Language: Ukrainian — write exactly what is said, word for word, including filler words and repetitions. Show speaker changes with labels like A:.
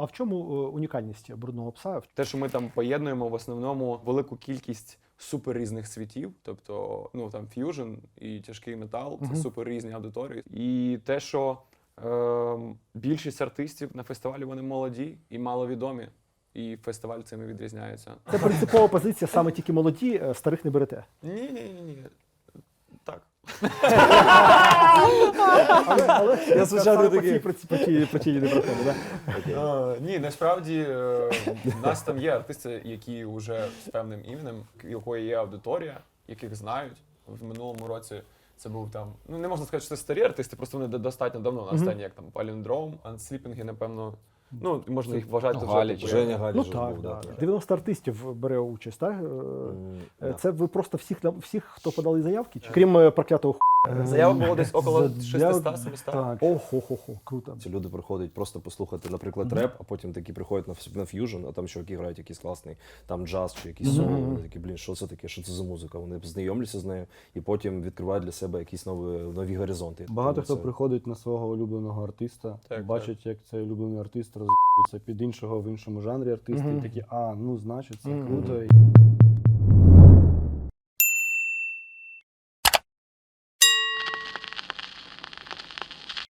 A: а в чому е, унікальність брудного пса?
B: Те, що ми там поєднуємо в основному велику кількість супер різних світів, тобто ну там ф'южн і тяжкий метал, це
A: Мгм.
B: супер різні аудиторії. І те, що е, більшість артистів на фестивалі вони молоді і маловідомі, і фестиваль цим і відрізняється.
A: Це принципова позиція, саме тільки молоді, е, старих не берете.
B: Ні, ні, ні, ні. Так.
A: Але, але
C: Я звичайно
A: саме по
C: такий.
A: цій проці- по цій причині не проходить. Да?
B: Е, ні, насправді е, в нас там є артисти, які вже з певним іменем, у якої є аудиторія, яких знають. В минулому році це був там, ну не можна сказати, що це старі артисти, просто вони достатньо давно на сцені, як там Palindrome, Unsliping, напевно. Ну, можна їх вважати
C: Ну,
B: вже
C: Галіч,
B: такою-
C: Женя Галіч
A: Ну
C: же
A: так,
C: був,
A: да.
C: да.
A: дев'яносто артистів бере участь, так? Е,
C: М,
A: е,
C: да.
A: Це ви просто всіх, нам- всіх хто подали заявки? Чи? Крім е, проклятого ху...
B: Заявок було десь около
D: Заявок-
B: шістсот-сімсот.
D: Так.
A: Охо-хо-хо, круто.
C: Ці люди приходять просто послухати, наприклад, реп, а потім такі приходять на, ф- на ф'южн, а там чуваки грають якийсь класний там джаз чи якийсь соло. Вони такі, блін, що це таке, що це за музика? Вони знайомляться з нею і потім відкривають для себе якісь нові, нові горизонти.
D: Багато
C: Тому
D: хто
C: це-
D: приходить на свого улюбленого артиста,
B: Так,
D: бачить, як цей улюблений артист роз'їбується під іншого в іншому жанрі артиста,
A: Мгм.
D: і такі, а, ну, значить, це
A: Мгм.
D: круто.